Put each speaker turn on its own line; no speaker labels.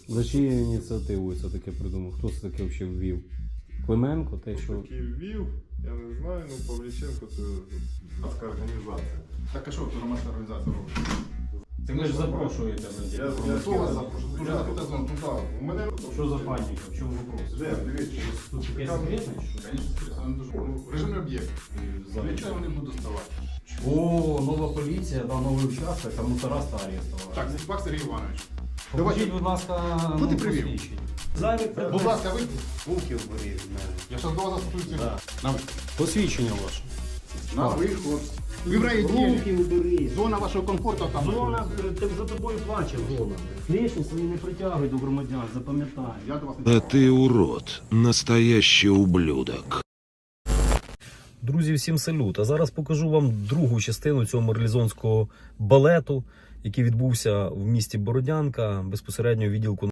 За чиєю ініціативою це таке придумав? Хто це таке взагалі ввів? Клименко? Те, що...
Такий ввів, я не знаю, ну Павліченко це громадська організація.
Так а що тут громадська організація робить?
Це ви ж запрошуєте на
Хто вас запрошує? Дуже запитати, ну так.
У мене
Що за паніка? В чому вопрос?
дивіться.
Тут таке секретне, що?
Звісно, режимний об'єкт. Нічого не буду ставати.
О, нова поліція, да, новий участок, а мусора старі ставали.
Так, Зіпак Сергій Іванович.
Покажіть, будь ласка,
Хто ти привів?
посвідчення.
Будь ласка, вийдіть.
Руки вбери від мене.
Я зараз до вас застосуюся.
Да.
На,
Посвідчення ваше.
на виход. Ви в райвідділі.
Руки убери.
Зона вашого комфорту там.
Зона, за тобою плаче зона. Лишні свої не притягуй до громадян, запам'ятай.
Я до вас не
Да ты урод, настоящий ублюдок.
Друзі, всім салют! А зараз покажу вам другу частину цього марлезонського балету, який відбувся в місті Бородянка, безпосередньо у відділку